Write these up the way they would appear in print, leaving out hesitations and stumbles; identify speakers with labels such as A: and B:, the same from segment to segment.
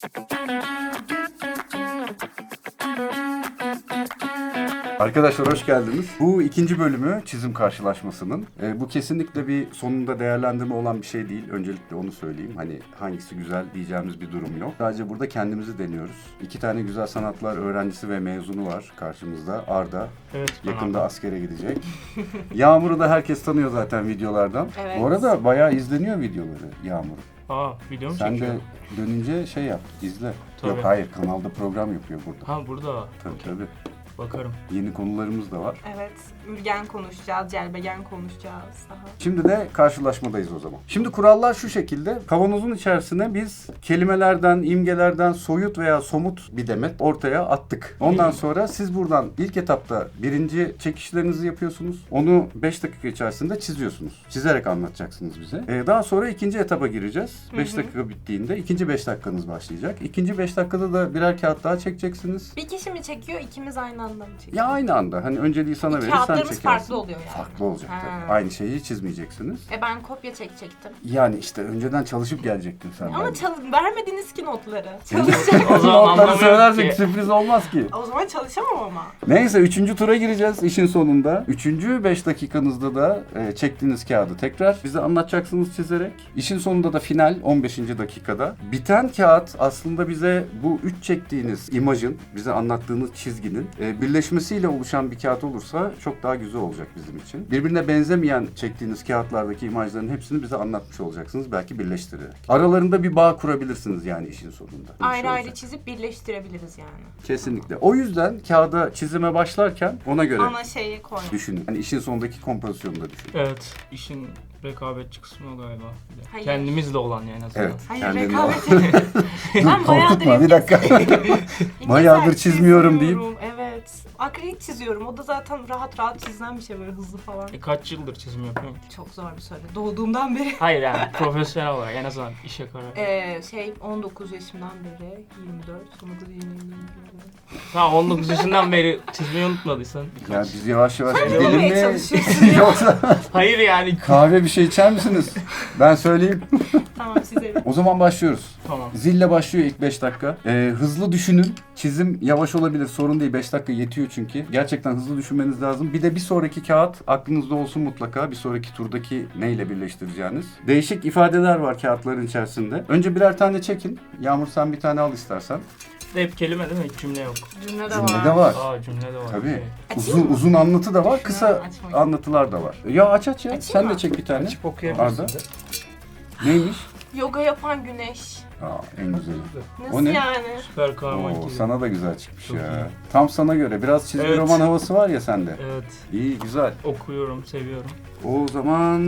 A: Arkadaşlar hoş geldiniz. Bu ikinci bölümü çizim karşılaşmasının. Bu kesinlikle bir sonunda değerlendirme olan bir şey değil. Öncelikle onu söyleyeyim. Hani hangisi güzel diyeceğimiz bir durum yok. Sadece burada kendimizi deniyoruz. İki tane güzel sanatlar öğrencisi ve mezunu var karşımızda. Arda.
B: Evet.
A: Yakında askere gidecek. Yağmur'u da herkes tanıyor zaten videolardan.
C: Evet.
A: Bu arada bayağı izleniyor videoları Yağmur.
B: Video mu
A: Sen
B: çekiyor?
A: de dönünce şey yap, izle.
B: Tabii.
A: Yok hayır, kanalda program yapıyor burada.
B: Ha burada.
A: Tabii tabii.
B: Bakarım.
A: Yeni konularımız da var.
C: Evet, ürgen konuşacağız, celbegen konuşacağız daha.
A: Şimdi de karşılaşmadayız o zaman. Şimdi kurallar şu şekilde. Kavanozun içerisine biz kelimelerden, imgelerden soyut veya somut bir demet ortaya attık. Ondan sonra siz buradan ilk etapta birinci çekişlerinizi yapıyorsunuz. Onu 5 dakika içerisinde çiziyorsunuz. Çizerek anlatacaksınız bize. Daha sonra ikinci etapa gireceğiz. 5 dakika bittiğinde ikinci 5 dakikanız başlayacak. İkinci 5 dakikada da birer kağıt daha çekeceksiniz.
C: Bir kişi mi çekiyor, ikimiz aynı anda mı çekiyor?
A: Ya aynı anda. Hani önceliği sana verir, sen
C: Kağıtlarımız
A: çekersin.
C: farklı oluyor yani.
A: Farklı olacak
C: Ha.
A: tabii. Aynı şeyi çizmeyeceksiniz.
C: Ben kopya çekecektim.
A: Yani işte önceden çalışıp gelecektin sen.
C: Ama
A: bence.
C: vermediniz ki notları. Çalışacağım.
B: O zaman
A: Notları
B: anlamıyorum
A: söylersek
B: ki.
A: sürpriz olmaz ki.
C: O zaman çalışamam ama.
A: Neyse 3. tura gireceğiz işin sonunda. 3. 5 dakikanızda da çektiğiniz kağıdı tekrar bize anlatacaksınız çizerek. İşin sonunda da final 15. dakikada. Biten kağıt aslında bize bu 3 çektiğiniz imajın, bize anlattığınız çizginin birleşmesiyle oluşan bir kağıt olursa çok daha güzel olacak bizim için. Birbirine benzemeyen çektiğiniz kağıtlardaki imajların hepsini bize anlatmış olacaksınız. Belki birleştirerek. Aralarında bir bağ kurabilirsiniz yani işin sonunda. Bir
C: Ayrı
A: şey
C: ayrı
A: olacak.
C: çizip birleştirebiliriz yani.
A: Kesinlikle. O yüzden kağıda çizime başlarken ona göre
C: Ana şeyi koy.
A: düşünün. Hani işin sonundaki kompozisyonu da düşünün.
B: Evet. İşin rekabetçi kısmı o galiba. Bir de.
C: Hayır.
B: Kendimizle olan yani aslında.
A: Evet.
C: Hayır,
A: kendini
C: rekabet.
A: Dur
C: Ben bayağıdır
A: korkutma bir dakika.
C: İngilizce
A: Bayağıdır çizmiyorum deyip.
C: Evet. Akrilik çiziyorum. O da zaten rahat çizilen bir şey, böyle hızlı falan.
B: Kaç yıldır çizim yapıyorum ki?
C: Çok zor bir soru. Doğduğumdan beri.
B: Hayır yani profesyonel olarak en azından işe karar.
C: 19 yaşımdan beri 24, 19, 20, 21.
B: Tamam 19 yaşından beri çizmeyi unutmadıysan.
A: Ya biz yavaş yavaş
C: Sen
A: gidelim
C: olmaya
A: mi?
C: çalışıyorsun ya.
A: Yoksa
B: Hayır yani.
A: kahve bir şey içer misiniz? Ben söyleyeyim.
C: Tamam, size.
A: O zaman başlıyoruz.
B: Tamam.
A: Zille başlıyor ilk 5 dakika. Hızlı düşünün. Çizim yavaş olabilir, sorun değil. 5 dakika yetiyor çünkü. Gerçekten hızlı düşünmeniz lazım. Bir de bir sonraki kağıt aklınızda olsun mutlaka. Bir sonraki turdaki neyle birleştireceğiniz. Değişik ifadeler var kağıtların içerisinde. Önce birer tane çekin. Yağmur sen bir tane al istersen.
B: Hep kelime değil mi? Hiç cümle yok.
C: Cümle de
A: Cümle
C: var.
A: de var.
B: Cümle de var.
A: Tabii.
C: Açayım mı?
A: Uzun anlatı da var, kısa
C: açmayın.
A: anlatılar da var. Ya aç ya.
C: Açayım
A: Sen de
C: mı?
A: çek bir tane.
D: Açıp okuyabilirsin
A: Arda.
D: de.
A: Neymiş?
C: Yoga yapan güneş.
A: En güzeli.
C: Nasıl
A: O ne?
C: yani?
B: Süper kahraman
A: Oo,
B: gibi.
A: sana da güzel çıkmış
B: Çok
A: ya.
B: iyi.
A: Tam sana göre. Biraz çizgi
B: Evet.
A: roman havası var ya sende.
B: Evet.
A: İyi, güzel.
B: Okuyorum, seviyorum.
A: O zaman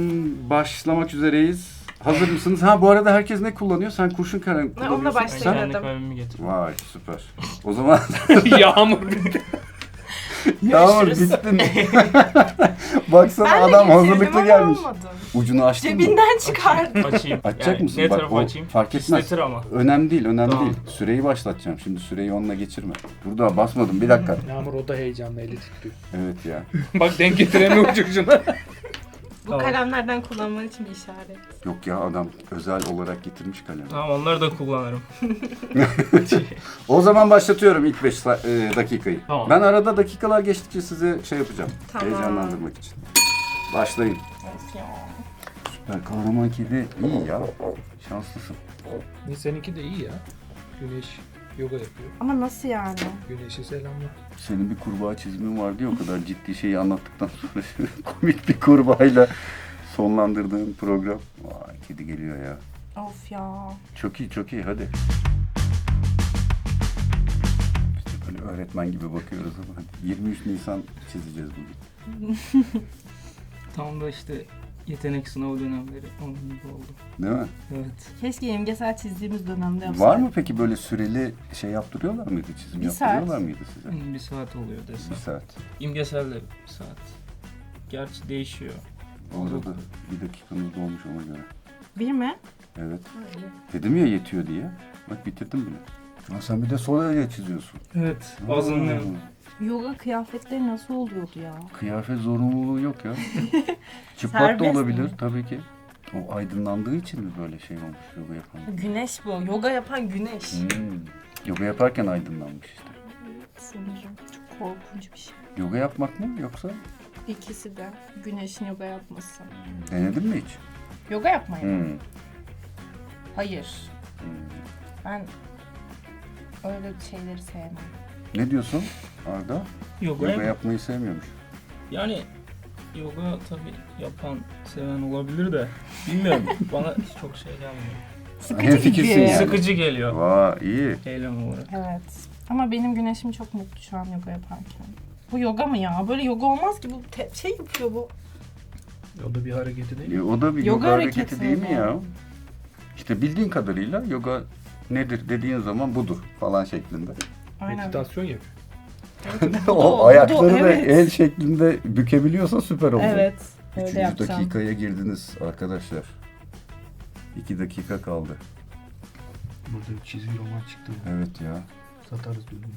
A: başlamak üzereyiz. Hazır mısınız? Ha bu arada herkes ne kullanıyor? Sen kurşun kalem
C: onunla
A: kullanıyorsun.
B: Ben
C: başlayalım.
A: Sen?
B: kendi
C: Dedim.
B: kalemimi getir.
A: Vay süper. O zaman
B: Yağmur.
A: Yağmur
C: Görüşürüz.
A: bittin. Baksana
C: Ben de
A: adam
C: getirdim
A: hazırlıklı
C: ama
A: gelmiş.
C: olmadı.
A: Ucunu açtın mı?
C: Cebinden çıkardı.
B: Açayım.
A: Açacak
B: Yani
A: mısın?
B: Ne
A: Bak,
B: tarafa
A: o
B: açayım?
A: fark etmez.
B: İstetir ama.
A: Önemli değil, önemli
B: Tamam.
A: değil. Süreyi başlatacağım. Şimdi süreyi onunla geçirme. Burada basmadım. Bir dakika.
D: Yağmur o da heyecanlı, eli titriyor.
A: Evet ya.
D: Bak denk getiremiyor çocuğuna.
C: Bu
B: Tamam.
C: kalemlerden kullanman için bir işaret.
A: Yok ya adam özel olarak getirmiş kalemi.
B: Tamam onları da kullanırım.
A: O zaman başlatıyorum ilk 5 dakikayı.
B: Tamam.
A: Ben arada dakikalar geçtikçe size şey yapacağım.
C: Tamam.
A: Heyecanlandırmak için. Başlayın.
C: Of ya.
A: Süper kahraman kedi iyi ya. Şanslısın.
D: Seninki de iyi ya. Güneş yoga yapıyor.
C: Ama nasıl yani?
D: Güneşi selamla.
A: Senin bir kurbağa çizimin vardı ya o kadar ciddi şeyi anlattıktan sonra komik bir kurbağayla sonlandırdığın program. Vay kedi geliyor ya.
C: Of ya.
A: Çok iyi çok iyi hadi. Biz de böyle öğretmen gibi bakıyoruz ama 23 Nisan çizeceğiz bugün.
B: Tam da işte yetenek sınavı dönemleri onun gibi oldu.
A: Değil mi?
B: Evet.
C: Keşke imgesel çizdiğimiz dönemde yapsaydık.
A: Var mı peki böyle süreli şey yaptırıyorlar mıydı? Çizim
C: Bir
A: yaptırıyorlar
C: saat.
A: mıydı size?
B: Bir saat oluyor desem.
A: Bir saat.
B: İmgesel de bir saat. Gerçi değişiyor.
A: Orada da bir dakikanız dolmuş ona göre.
C: Bir mi?
A: Evet. Dedim ya yetiyor diye. Bak bitirdim bile. Ama sen bir de solayla çiziyorsun.
B: Evet. Azınlıyorum.
C: Yoga kıyafetleri nasıl oluyordu ya?
A: Kıyafet zorunluluğu yok ya. Çıplak da
C: Serbest
A: olabilir
C: mi?
A: tabii ki. O aydınlandığı için mi böyle şey olmuş yoga yapan?
C: Güneş bu. Yoga yapan güneş.
A: Yoga yaparken aydınlanmış işte.
C: Sanırım. Çok korkunç bir şey.
A: Yoga yapmak mı yoksa?
C: İkisi de. Güneşin yoga yapması.
A: Denedin mi hiç?
C: Yoga yapmayı mı?
A: Hmm.
C: Hayır. Ben öyle şeyleri sevmem.
A: Ne diyorsun Arda?
B: Yoga,
A: Yoga yapmayı sevmiyormuş.
B: yani yoga tabii yapan, seven olabilir de bilmiyorum. Bana çok şey gelmiyor.
A: Hem fikirsin yani.
B: Sıkıcı geliyor.
A: Vay iyi.
B: Eylem olarak.
C: Evet. Ama benim güneşim çok mutlu şu an yoga yaparken. Bu yoga mı ya? Böyle yoga olmaz ki. Bu şey yapıyor bu.
D: O da bir hareketi değil mi?
A: O da bir yoga,
C: Yoga
A: hareketi
C: hareketi
A: değil mi
C: mi?
A: ya? İşte bildiğin kadarıyla yoga nedir dediğin zaman budur falan şeklinde.
C: Aynen.
D: Meditasyon yapıyor.
A: O ayakları da
C: evet.
A: el şeklinde bükebiliyorsa süper olur.
C: Evet. Öyle
A: Üçüncü
C: yapacağım.
A: dakikaya girdiniz arkadaşlar. 2 dakika kaldı.
D: Burada bir çizgi roman çıktı.
A: Evet ya.
D: Satarız bölümü.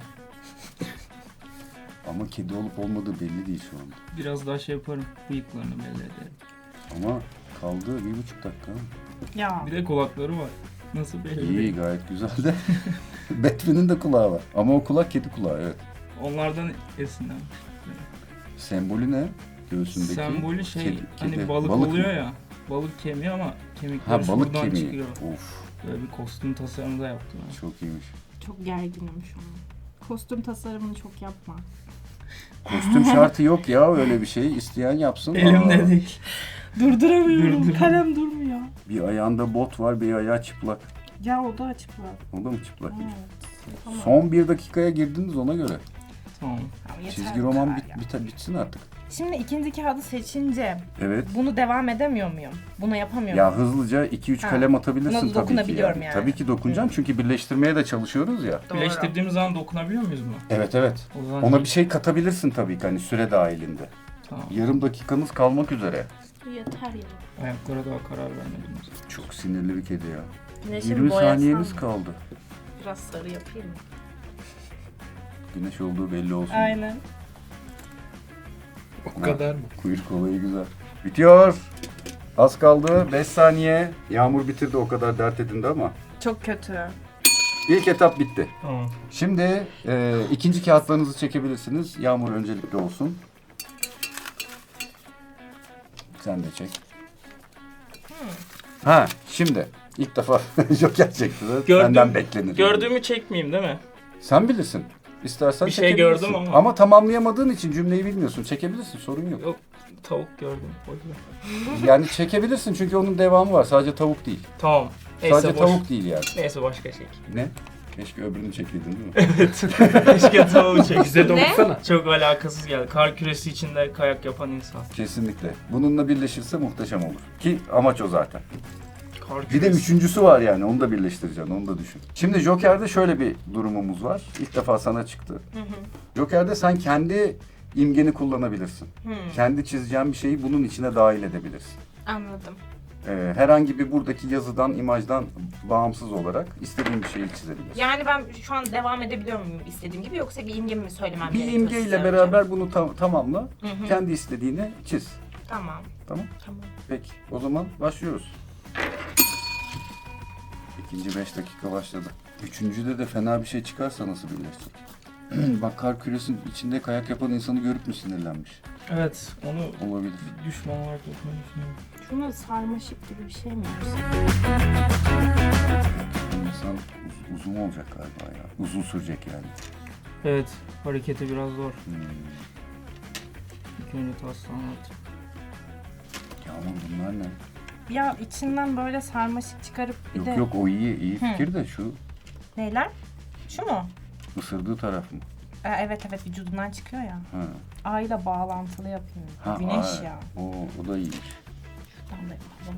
A: Ama kedi olup olmadığı belli değil şu anda.
B: Biraz daha şey yaparım. Bıyıklarını belli ederim.
A: Ama kaldı 1,5 dakika.
C: Ya.
B: Bir de kulakları var. Nasıl belli
A: İyi
B: değil.
A: gayet güzel de. Batman'in de kulağı var. Ama o kulak kedi kulağı evet.
B: Onlardan esinlenmiş.
A: Sembolü ne? Göğsündeki.
B: Sembolü şey
A: kedi-
B: hani
A: kedi.
B: balık
A: mı?
B: oluyor ya. Balık kemiği ama kemikleri
A: Ha balık
B: şuradan
A: kemiği.
B: çıkıyor.
A: Of
B: Böyle bir kostüm tasarımı da yaptım. Yani.
A: çok iyiymiş.
C: Çok gerginim şu an. Kostüm tasarımını çok yapma.
A: Kostüm şartı yok ya öyle bir şey. İsteyen yapsın.
B: Elimde
A: Aa,
B: değil.
C: Durduramıyorum. Kalem durmuyor.
A: Bir ayağında bot var, bir ayağı çıplak.
C: Ya o da açıklar.
A: O da mı çıplak?
C: Evet. Tamam.
A: Son 1 dakikaya girdiniz ona göre.
B: Tamam.
C: Ama yeter
A: Çizgi
C: bu
A: roman
C: kadar ya.
A: bitsin artık.
C: Şimdi ikinci kağıdı seçince
A: Evet.
C: bunu devam edemiyor muyum? Bunu yapamıyor
A: Ya
C: muyum?
A: hızlıca 2-3
C: Ha.
A: kalem atabilirsin
C: Buna
A: tabii ki.
C: dokunabiliyorum yani.
A: Tabii ki dokunacağım çünkü birleştirmeye de çalışıyoruz ya.
C: Doğru.
B: Birleştirdiğimiz zaman dokunabiliyor muyuz buna?
A: Evet evet.
B: O zaman
A: Ona bir şey katabilirsin tabii ki hani süre dahilinde.
B: Tamam.
A: Yarım dakikanız kalmak üzere.
C: Yeter ya.
B: Ayaklara daha karar vermedim.
A: Çok sinirli bir kedi ya.
C: Güneşin
A: 20
C: boyasam
A: saniyeniz
C: mı?
A: kaldı.
C: Biraz sarı yapayım mı?
A: Güneş olduğu belli olsun.
C: Aynen.
D: O kadar mı?
A: Kuyruk olayı güzel. Bitiyor. Az kaldı. 5 saniye. Yağmur bitirdi o kadar dert edindi ama.
C: Çok kötü.
A: İlk etap bitti.
B: Tamam.
A: Şimdi ikinci kağıtlarınızı çekebilirsiniz. Yağmur öncelikli olsun. Sen de çek. Ha şimdi ilk defa Joker çekti. Senden beklenir.
B: Gördüğümü çekmeyeyim değil mi?
A: Sen bilirsin. İstersen
B: Bir şey
A: çekebilirsin.
B: gördüm ama.
A: Ama tamamlayamadığın için cümleyi bilmiyorsun. Çekebilirsin sorun yok.
B: Yok. Tavuk gördüm. Boş ver.
A: Yani çekebilirsin çünkü onun devamı var. Sadece tavuk değil.
B: Tamam. Neyse
A: Sadece
B: boş.
A: tavuk değil yani.
B: Neyse başka çek.
A: Ne? Keşke öbürünü çekeydin değil mi?
B: Evet. Keşke tavuğu çek.
D: Bize de
C: Ne?
D: okusana.
B: Çok alakasız geldi. Kar küresi içinde kayak yapan insan.
A: Kesinlikle. Bununla birleşirse muhteşem olur. Ki amaç o zaten.
B: Kar
A: Bir de
B: küresi.
A: üçüncüsü var yani. Onu da birleştireceksin. Onu da düşün. Şimdi Joker'de şöyle bir durumumuz var. İlk defa sana çıktı. Joker'de sen kendi imgeni kullanabilirsin. Kendi çizeceğin bir şeyi bunun içine dahil edebilirsin.
C: Anladım.
A: Herhangi bir buradaki yazıdan, imajdan bağımsız olarak istediğin bir şeyi çizebilirsin.
C: Yani ben şu an devam edebiliyor muyum istediğim gibi yoksa bir imge mi söylemem
A: Bir
C: gerekiyor?
A: imgeyle
C: size
A: beraber bunu tamamla.
C: Hı hı.
A: Kendi istediğini çiz.
C: Tamam.
A: Tamam?
C: Tamam.
A: Peki. O zaman başlıyoruz. İkinci 5 dakika başladı. Üçüncüde de fena bir şey çıkarsa nasıl birleşecek? Bak kar küresinin içinde kayak yapan insanı görüp mü sinirlenmiş?
B: Evet. Onu
A: Olabilir.
B: bir düşman olarak yapmayı düşünüyorum.
C: Şuna sarmaşık gibi bir şey mi yapsam?
A: İnsan uzun olacak galiba ya. Uzun sürecek yani.
B: Evet. Hareketi biraz zor.
A: Hmm.
B: İlk önce taslağını at.
A: Yağmur bunlar ne?
C: Ya içinden böyle sarmaşık çıkarıp bir
A: Yok
C: de...
A: yok o iyi fikir de şu
C: Neyler? Şu mu?
A: ısırdığı taraf mı?
C: Evet evet vücudundan çıkıyor ya.
A: Ha.
C: Ayla bağlantılı yapıyor.
A: Ha,
C: Güneş
A: ay.
C: ya.
A: O da iyiymiş.
C: Şuradan da yapalım.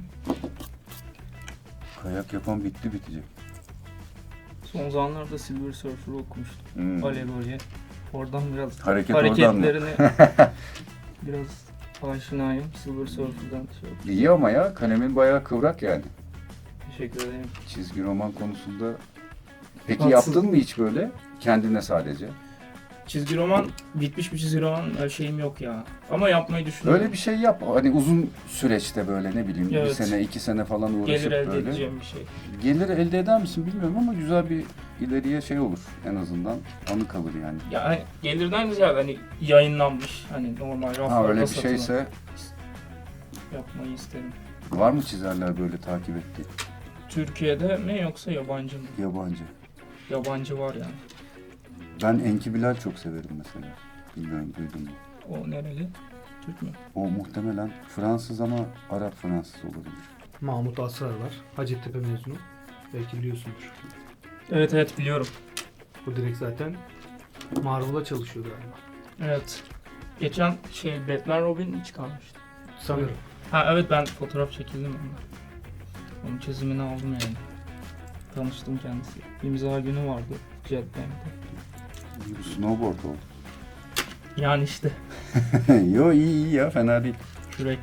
A: Kayak yapan bitecek.
B: Son zamanlarda Silver Surfer'ı okumuştum.
A: Hmm.
B: Alegoriye. Oradan biraz
A: Hareket oradan mı?
B: hareketlerini biraz aşinayım. Silver Surfer'dan şey yaptım.
A: İyi ama ya kalemin bayağı kıvrak yani.
B: Teşekkür ederim.
A: Çizgi roman konusunda. Peki
B: Haksız
A: yaptın mı
B: mıyım?
A: hiç böyle? Kendine sadece.
B: çizgi roman, bitmiş bir çizgi roman şeyim yok ya. Ama yapmayı düşünüyorum.
A: Öyle bir şey yap. Hani uzun süreçte böyle ne bileyim
B: Evet.
A: bir sene 2 sene falan uğraşıp
B: Gelir elde
A: böyle.
B: edeceğim bir şey.
A: Gelir elde eder misin bilmiyorum ama güzel bir ileriye şey olur en azından. Anı kalır yani.
B: Ya hani gelirden ziyade hani yayınlanmış hani normal
A: Ha
B: raflarda
A: öyle bir
B: satılan
A: şeyse
B: yapmayı isterim.
A: var mı çizerler böyle takip ettiği?
B: Türkiye'de mi yoksa yabancı mı?
A: Yabancı.
B: Yabancı var yani.
A: Ben Enki Bilal çok severim mesela. Bilmiyorum duydun mu?
B: O nereli? Türk mü?
A: O muhtemelen Fransız ama Arap Fransız olabilir.
D: Mahmut Asrar var. Hacettepe mezunu. Belki biliyorsundur.
B: Evet biliyorum.
D: Bu direkt zaten Marvel'a çalışıyor galiba.
B: Evet. Geçen Batman Robin çıkarmıştı.
D: Sanırım.
B: Ha evet ben fotoğraf çekildim onunla. Onun çizimini aldım yani. Tanıştım kendisi. İmza günü vardı Jetbank'te.
A: Snowboard oldu.
B: Yani işte
A: Yo iyi ya fena değil.
B: kürek.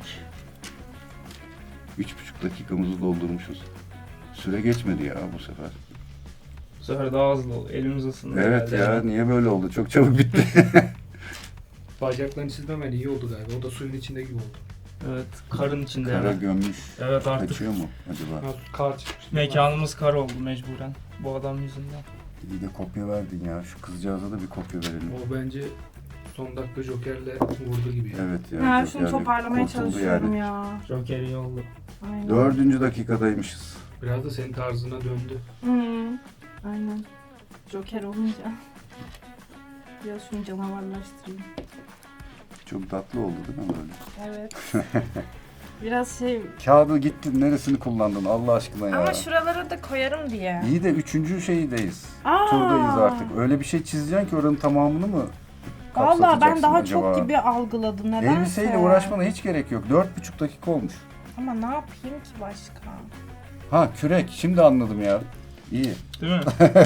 A: 3,5 dakikamızı doldurmuşuz. Süre geçmedi ya bu sefer.
B: Bu sefer daha hızlı oldu. Elimiz ısındı.
A: Evet
B: herhalde.
A: ya niye böyle oldu? Çok çabuk bitti.
D: Bacaklarını çizmemen iyi oldu galiba. O da suyun içinde gibi oldu.
B: Evet karın içinde.
A: Kara
B: hemen.
A: gömmüş.
B: Evet artık
A: Kaçıyor mu acaba?
D: Ha, kar çıkmış.
B: mekanımız kar oldu mecburen. Bu adam yüzünden.
A: İyi de kopya verdin ya. Şu kızcağıza da bir kopya verelim.
D: O bence son dakika Joker'le vurdu gibi. Yani.
A: Evet ya.
C: Ya
A: çok
C: şunu
A: yani
C: toparlamaya
A: kurtuldu
C: çalışıyorum
A: yani.
C: ya.
B: Joker iyi oldu.
C: Aynen.
A: 4. dakikadaymışız.
D: Biraz da senin tarzına döndü.
C: Hı. Aynen. Joker olunca. Biraz şunu canavarlaştırayım.
A: Çok tatlı oldu değil mi böyle?
C: Evet. Biraz şey...
A: Kağıdı gittin neresini kullandın Allah aşkına ya.
C: Ama şuralara da koyarım diye.
A: İyi de 3. şeydeyiz.
C: Aa!
A: Turdayız artık. Öyle bir şey çizeceksin ki oranın tamamını mı
C: Valla ben
A: kapsatacaksın
C: daha
A: acaba?
C: çok gibi algıladım nedense.
A: Elbiseyle uğraşmana hiç gerek yok. 4,5 dakika olmuş.
C: Ama ne yapayım ki başka?
A: Ha kürek. Şimdi anladım ya. İyi.
B: Değil mi?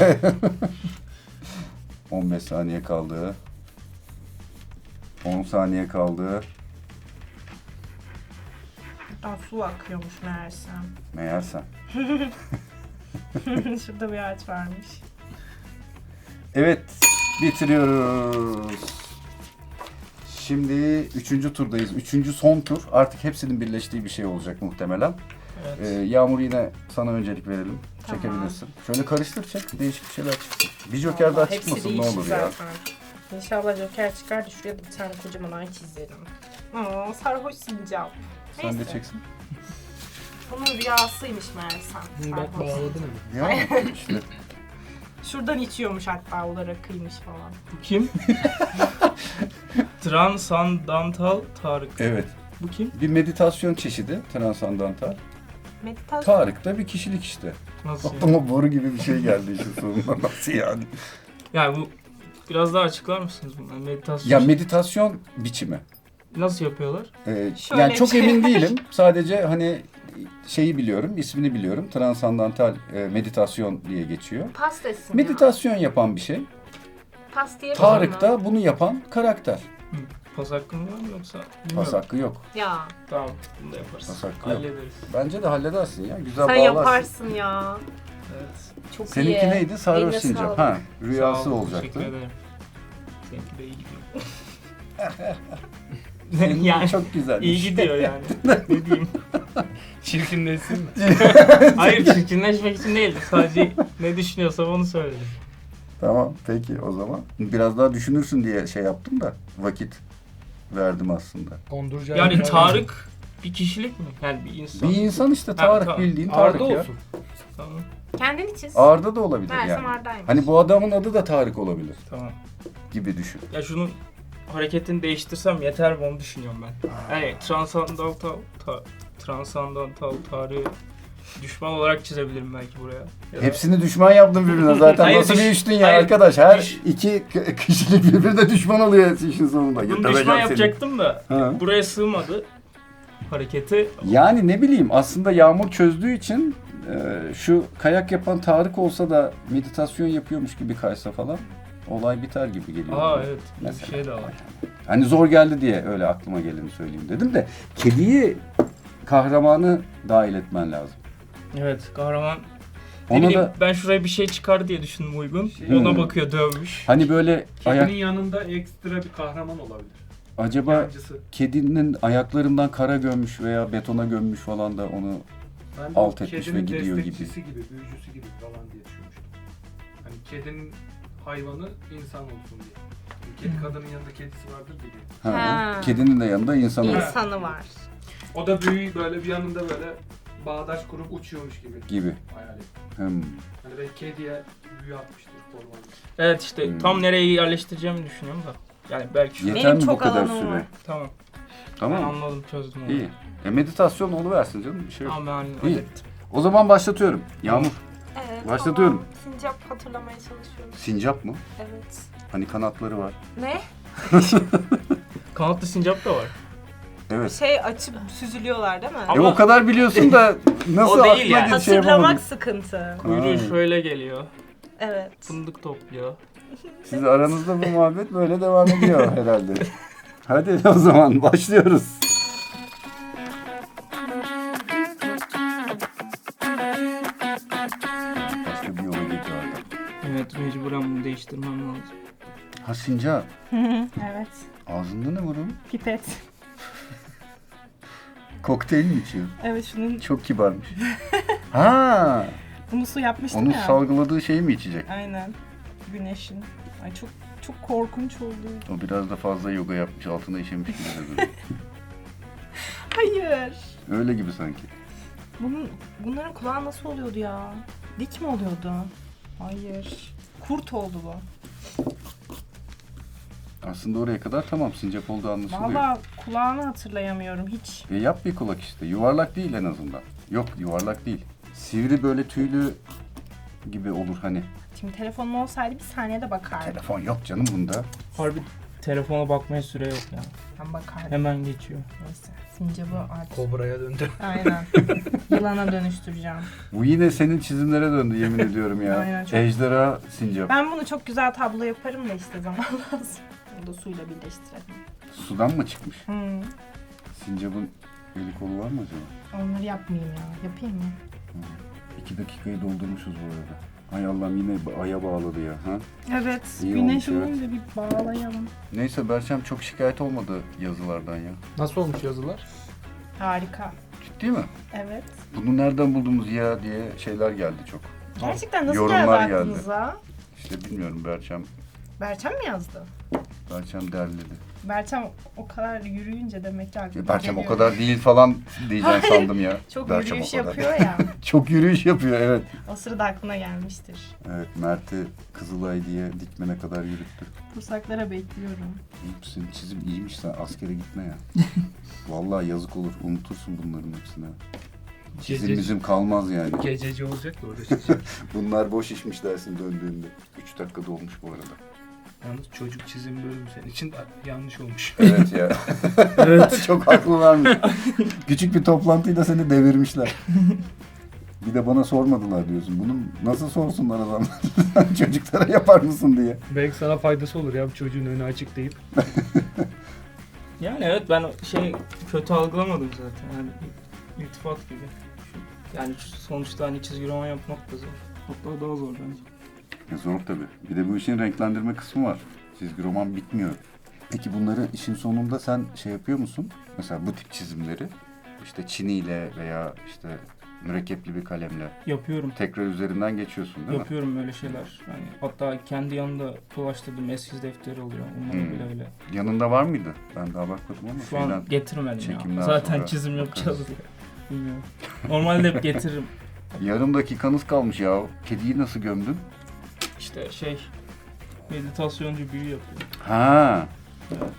A: 15 saniye kaldı. 10 saniye kaldı.
C: Aa, su akıyormuş meğersem.
A: Meğersem.
C: Şurada bir ağaç varmış.
A: Evet. Bitiriyoruz. Şimdi 3. turdayız. 3. son tur. Artık hepsinin birleştiği bir şey olacak muhtemelen.
B: Evet.
A: Yağmur yine sana öncelik verelim.
C: Tamam.
A: çekebilirsin. Şöyle karıştır çek. Değişik bir şeyler çıksın. Bir joker daha
C: Vallahi hepsi
A: çıkmasın ne
C: değişik
A: olur ya.
C: zaten. İnşallah Joker çıkar da şuraya da bir tane kocaman ay çizerim. Aa, sarhoş sincap.
A: Sen de
C: Neyse.
A: çeksin.
C: Bunun rüyasıymış meğersem.
D: Bak
C: Sarhoş
D: bağladın
C: sincap.
D: ama.
A: Ya işte.
C: Şuradan içiyormuş hatta o da rakıymış falan.
B: Bu kim? Transandantal Tarık.
A: Evet.
B: Bu kim?
A: Bir meditasyon çeşidi. Transandantal.
C: Meditasyon.
A: Tarık da bir kişilik işte.
B: Nasıl yani?
A: Aklıma boru gibi bir şey geldi işin sonunda. Nasıl yani?
B: Yani bu biraz daha açıklar mısınız bunu? Meditasyon
A: Ya meditasyon biçimi.
B: nasıl yapıyorlar?
C: Şöyle
A: Yani çok
C: bir şey.
A: emin değilim. Sadece hani şeyi biliyorum, ismini biliyorum. Transandantal meditasyon diye geçiyor.
C: Pas desin
A: Meditasyon yapan bir şey.
C: ya. Pas diye
A: Tarık da bunu yapan karakter.
B: Hı. Pas hakkım var mı yoksa?
A: Pas
B: Bilmiyorum.
A: hakkı yok.
C: Ya
B: Tamam bunu da yaparız.
A: Pas hakkı yok.
B: Hallederiz.
A: Bence de halledersin ya. Güzel
C: sen
A: bağlarsın.
C: yaparsın ya.
B: Evet.
C: Çok iyi.
A: Seninki neydi? Sarhoş
C: Eline
A: sincap.
C: sağlık.
A: Ha,
B: Sağ
A: rüyası
B: olun,
A: olacaktı.
B: Teşekkür ederim. Seninki de iyi gidiyor.
A: Senin
B: yani
A: çok güzel.
B: iyi gidiyor yani. Ne diyeyim?
D: Çirkinleşsin mi?
B: Hayır çirkinleşmek için değil. Sadece ne düşünüyorsam onu söyledim.
A: Tamam peki o zaman. Biraz daha düşünürsün diye şey yaptım da vakit verdim aslında.
D: Konduracak.
B: Yani Tarık bir kişilik mi? Yani bir insan.
A: Bir insan işte
B: Ha,
A: Tarık
B: tamam.
A: bildiğin Tarık
D: Arda
A: ya.
D: olsun.
B: Tamam.
C: Kendini çiz.
A: Arda da olabilir
C: Meğersem
A: yani.
C: Arda'ymış.
A: Hani bu adamın adı da Tarık olabilir
B: Tamam.
A: gibi düşün.
B: Ya şunun hareketini değiştirsem yeter mi onu düşünüyorum ben. Yani transandantal tarihi düşman olarak çizebilirim belki buraya. Ya da-
A: Hepsini düşman yaptın birbirine zaten.
B: Hayır,
A: Nasıl bir üçtün ya
B: hayır,
A: arkadaş? Her
B: düş-
A: iki kişilik birbirine düşman oluyor işin sonunda.
B: Bunu
A: Getireceğim
B: düşman
A: seni.
B: yapacaktım da
A: Ha.
B: buraya sığmadı hareketi.
A: Yani ne bileyim aslında Yağmur çözdüğü için şu kayak yapan Tarık olsa da meditasyon yapıyormuş gibi kaysa falan olay biter gibi geliyor.
B: Aa evet bir
A: Mesela.
B: şey de var.
A: Hani zor geldi diye öyle aklıma geleni söyleyeyim dedim de kediyi kahramanı dahil etmen lazım.
B: Evet kahraman. Ne
A: Ona
B: bileyim,
A: da
B: ben şuraya bir şey çıkar diye düşündüm uygun.
D: Şey-
B: Ona bakıyor dövmüş.
A: hani böyle
D: Kedinin yanında ekstra bir kahraman olabilir.
A: acaba
D: Yancısı.
A: kedinin ayaklarından kara gömmüş veya betona gömmüş falan da onu
D: Ben de
A: alt
D: o
A: etmiş
D: kedinin
A: ve gidiyor gibi.
D: destekçisi gibi, büyücüsü gibi falan diye düşünmüştüm. Hani kedinin hayvanı insan olsun diye. Kedi kadının yanında kedisi vardır gibi.
A: ha,
C: Ha.
A: kedinin de yanında insan
D: İyi.
A: var
C: İnsanı var.
D: O da büyü böyle bir yanında böyle bağdaş kurup uçuyormuş gibi.
A: gibi.
D: Hayal ettim.
A: Hmm.
D: Hani belki kediye büyü atmıştır formalı.
B: Evet işte tam nereye yerleştireceğimi düşünüyorum da. Yani belki şu...
A: Yeter
C: Benim
A: mi bu
C: çok
A: kadar
C: alanım
A: süre?
C: var.
B: Tamam.
A: Tamam
B: Ben
A: mı?
B: anladım, çözdüm onu.
A: İyi. Meditasyon oluversin canım, bir şey yok.
B: Tamam ben
A: İyi.
B: hallettim.
A: O zaman başlatıyorum. Yağmur.
C: Evet,
A: Başlatıyorum.
C: tamam. Sincap hatırlamaya çalışıyorum.
A: Sincap mı?
C: Evet.
A: Hani kanatları var.
C: Ne?
B: Kanatlı sincap da var.
A: Evet.
C: Şey açıp süzülüyorlar değil mi?
B: Ama-
A: o kadar biliyorsun da nasıl
B: O değil
A: aklına
B: yani.
A: gelip şey
C: Hatırlamak
A: yapamadın?
C: sıkıntı.
B: Kuyruğu
A: Ay.
B: şöyle geliyor.
C: Evet.
B: Fındık topluyor.
A: Siz aranızda bu muhabbet böyle devam ediyor herhalde. Hadi o zaman başlıyoruz. Başka bir yola gidiyor adam.
B: Evet, mecburen bunu değiştirmem lazım.
A: Ha sincap.
C: Evet.
A: Ağzında ne var onun?
C: Pipet.
A: Kokteyl mi içiyor?
C: Evet şunun
A: Çok kibarmış. Ha,
C: bunu su yapmıştım
A: onun
C: ya.
A: salgıladığı şeyi mi içecek?
C: Aynen. Güneşin. Ay çok korkunç oldu.
A: O biraz da fazla yoga yapmış, altına işemiş gibi de duruyor.
C: Hayır.
A: Öyle gibi sanki.
C: Bunların kulağı nasıl oluyordu ya? Dik mi oluyordu? Hayır. Kurt oldu bu.
A: Aslında oraya kadar tamam, sincap olduğu anlaşılıyor.
C: Vallahi kulağını hatırlayamıyorum hiç.
A: Yap bir kulak işte. Yuvarlak değil en azından. Yok, yuvarlak değil. Sivri böyle tüylü gibi olur hani.
C: Şimdi telefonum olsaydı bir saniyede bakardım.
A: Telefon yok canım bunda.
B: Harbi telefona bakmaya süre yok ya.
C: Ben bakardım.
B: Hemen geçiyor.
C: Neyse. Sincap'ı artık.
D: Kobra'ya döndü.
C: Aynen. Yılana dönüştüreceğim.
A: Bu yine senin çizimlere döndü yemin ediyorum ya.
C: Aynen, çok-
A: Ejderha sincap.
C: Ben bunu çok güzel tablo yaparım da işte zaman lazım. Bunu da suyla birleştirelim.
A: Sudan mı çıkmış?
C: Hmm.
A: Sincapın eli kolu var mı acaba?
C: Onları yapmayayım ya. Yapayım mı?
A: 2 dakikayı doldurmuşuz bu arada. Hay Allah'ım yine aya bağladı ya. Ha?
C: Evet.
A: İyi
C: Güneş
A: olmuş, evet.
C: olunca bir bağlayalım.
A: Neyse Berçem çok şikayet olmadı yazılardan ya.
D: Nasıl olmuş yazılar?
C: Harika.
A: Ciddi mi?
C: Evet.
A: Bunu nereden buldunuz ya diye şeyler geldi çok.
C: Gerçekten nasıl
A: Yorumlar
C: geldi
A: geldi.
C: aklınıza?
A: İşte bilmiyorum Berçem
C: Berçem mi yazdı?
A: derledi.
C: Berçem o kadar yürüyünce demek ki aklına
A: Berçem o
C: geliyor.
A: kadar değil falan diyeceğim sandım ya.
C: Çok
A: Berçem
C: yürüyüş
A: o kadar.
C: yapıyor ya.
A: Çok yürüyüş yapıyor evet.
C: O sırada aklına gelmiştir.
A: Evet Mert'i Kızılay diye dikmene kadar yürüttü.
C: Kursaklara bekliyorum.
A: Senin çizim iyiymiş, sen askere gitme ya. Vallahi yazık olur, unutursun bunların hepsini. Çizim bizim kalmaz yani.
D: Gececi olacak da orada çizecek.
A: Bunlar boş işmiş dersin döndüğünde. 3 dakika dolmuş bu arada.
D: Yalnız çocuk çizim bölümü senin için yanlış olmuş.
A: Evet ya. Evet. Çok haklılarmış. Küçük bir toplantıyla seni devirmişler. Bir de bana sormadılar diyorsun. Bunu nasıl sorsunlar adamlar? Çocuklara yapar mısın diye.
D: Belki sana faydası olur ya bu çocuğun önü açık deyip.
B: Yani evet, ben kötü algılamadım zaten. Yani iltifat gibi. Yani sonuçta hani çizgi roman yapmak da zor. Hatta daha zor bence.
A: Zor tabii. Bir de bu işin renklendirme kısmı var. Çizgi roman bitmiyor. Peki bunları işin sonunda sen şey yapıyor musun? Mesela bu tip çizimleri işte çiniyle veya işte mürekkepli bir kalemle
B: Yapıyorum.
A: tekrar üzerinden geçiyorsun değil mi?
B: Yapıyorum böyle şeyler. Yani hatta kendi yanında dolaştırdığım eskiz defteri oluyor. Onları bile öyle.
A: Yanında var mıydı? Ben daha bakmadım ama.
B: Şu an getirmedim
A: çekimden
B: ya. Zaten
A: sonra
B: çizim yapacağız
A: bakarız.
B: diye. Bilmiyorum. Normalde hep getiririm.
A: Yarım dakikanız kalmış ya. Kediyi nasıl gömdün?
B: İşte meditasyoncu büyü yapıyor.
A: Ha,
B: Evet.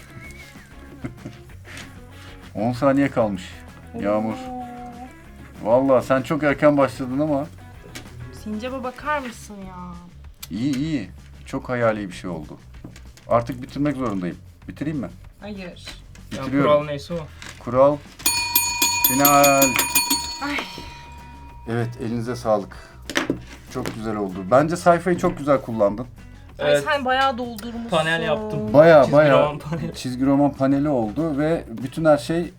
A: 10 saniye kalmış. Yağmur.
C: Oo.
A: Vallahi sen çok erken başladın ama
C: Sincap'a bakar mısın ya?
A: iyi iyi. Çok hayali bir şey oldu. Artık bitirmek zorundayım. Bitireyim mi?
C: Hayır.
B: Yani
A: Bitiriyorum.
B: kural neyse o.
A: Kural. Final.
C: Ay.
A: Evet, elinize sağlık. Çok güzel oldu. Bence sayfayı çok güzel kullandın.
C: Ay
B: Evet.
C: sen bayağı doldurmuşsun.
B: Panel yaptım.
A: Baya
B: Çizgi
A: baya
B: roman paneli.
A: çizgi roman paneli oldu ve bütün her şey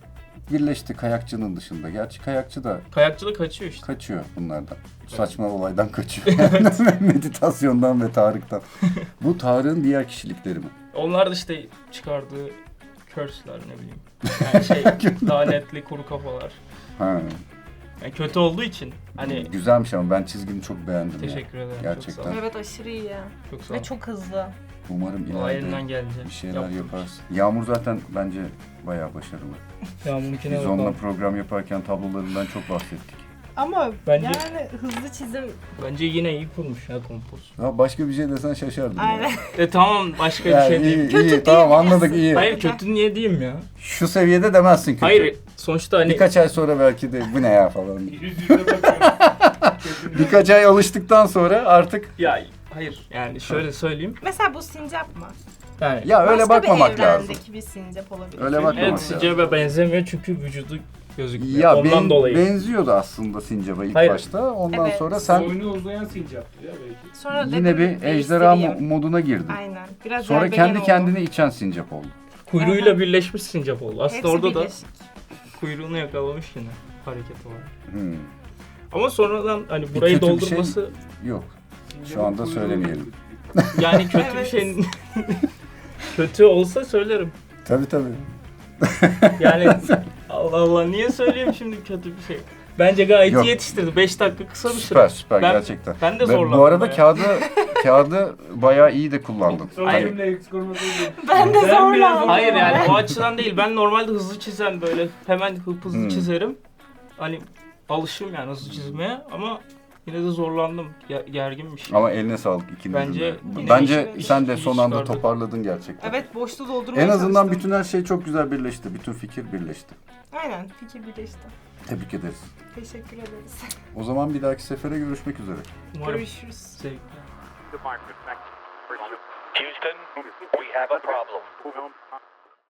A: birleşti kayakçının dışında. Gerçi kayakçı da
B: Kayakçılık kaçıyor işte.
A: kaçıyor bunlardan. Bu saçma olaydan kaçıyor. Meditasyondan ve Tarık'tan. Bu Tarık'ın diğer kişilikleri mi?
B: Onlar da işte çıkardığı curse'ler ne bileyim. Yani şey lanetli kuru kafalar.
A: Ha.
B: Yani kötü olduğu için hani
A: Güzelmiş ama ben çizgini çok beğendim. ya.
B: teşekkür ederim.
A: Gerçekten.
B: Çok sağ ol.
C: Evet aşırı iyi.
B: Çok sağ ol.
C: Ve çok hızlı.
A: Umarım
B: O
A: ileride
B: elinden gelince.
A: bir şeyler
B: yaptım.
A: yaparsın. Yağmur zaten bence bayağı başarılı.
B: Yağmur'unkine
A: Biz
B: bakalım.
A: onunla program yaparken tablolarından çok bahsettik.
C: Ama
B: Bence-
C: yani hızlı çizim.
B: Bence yine iyi kurmuş ya kompoz.
A: Ya başka bir şey desen şaşardım.
C: Aynen.
B: Tamam başka
A: Ya
B: bir şey
A: iyi,
B: diyeyim.
A: iyi,
C: Kötü
A: tamam
C: diyebilirsin.
A: anladık iyi.
B: Hayır kötü niye diyeyim ya?
A: Şu seviyede demezsin kötü.
B: Hayır sonuçta hani
A: Birkaç ay sonra belki de bu ne ya falan.
D: Yüz yüze bakıyorum. Kötü
A: Birkaç ay alıştıktan sonra artık
B: ya hayır yani şöyle söyleyeyim.
C: Mesela bu sincap mı?
B: Yani
A: ya öyle
C: Başka
A: bakmamak
C: bir
A: lazım.
C: evrendeki bir sincap olabilir.
A: Öyle bakmamak
B: evet
A: lazım.
B: sincaba benzemiyor çünkü vücudu gözükmüyor.
A: Ya
B: Ondan dolayı.
A: benziyordu aslında sincaba ilk
B: Hayır.
A: başta. Ondan
C: Evet.
A: sonra sen
D: Boynu uzayan sincaptır ya belki.
C: Sonra
A: yine
C: dedim,
A: bir ejderha
C: değiştireyim.
A: moduna girdin.
C: Aynen. Biraz
A: Sonra
C: gerbeğen
A: kendi
C: oldu.
A: kendini içen sincap oldu.
B: Kuyruğuyla birleşmiş sincap oldu. Aslında
C: Hepsi
B: orada da
C: birleşik.
B: kuyruğunu yakalamış yine hareketi var.
A: Hmm.
B: Ama sonradan hani burayı
A: kötü bir şey-
B: doldurması
A: Yok.
D: Sincapın
A: anda
D: kuyruğu
A: söylemeyelim.
B: yani kötü bir
C: Evet.
B: şey kötü olsa söylerim.
A: Tabii.
B: Yani Allah Allah niye söyleyeyim şimdi kötü bir şey. Bence gayet
A: Yok.
B: iyi yetiştirdi. 5 dakika kısa bir süre.
A: Süper süper
B: Ben-
A: gerçekten.
B: Ben de
A: Ve
B: zorlandım.
A: bu arada
B: bayağı.
A: kağıdı bayağı iyi de kullandın.
D: Son
B: Hayır.
D: cümle eksik olmasın diye.
C: Ben de
D: Ben biraz
C: zorlandım.
B: Hayır yani o açıdan değil. Ben normalde hızlı çizen böyle hemen hızlı
A: Hmm.
B: çizerim. Hani alışığım yani hızlı çizmeye ama yine de zorlandım. Gerginmiş.
A: Ama eline sağlık ikinizin
B: Bence
A: de.
B: yine
A: Bence
B: iş-
A: sen de
B: iş
A: son anda
B: çıkardık.
A: toparladın gerçekten.
C: Evet boşluğu doldurmaya
A: En azından
C: çalıştım.
A: bütün her şey çok güzel birleşti. Bütün fikir birleşti.
C: Aynen fikir birleşti.
A: Tebrik ederiz.
C: Teşekkür ederiz.
A: O zaman bir dahaki sefere görüşmek üzere.
B: Umarım
C: Görüşürüz.
B: zevkli.
E: Houston, we have a problem.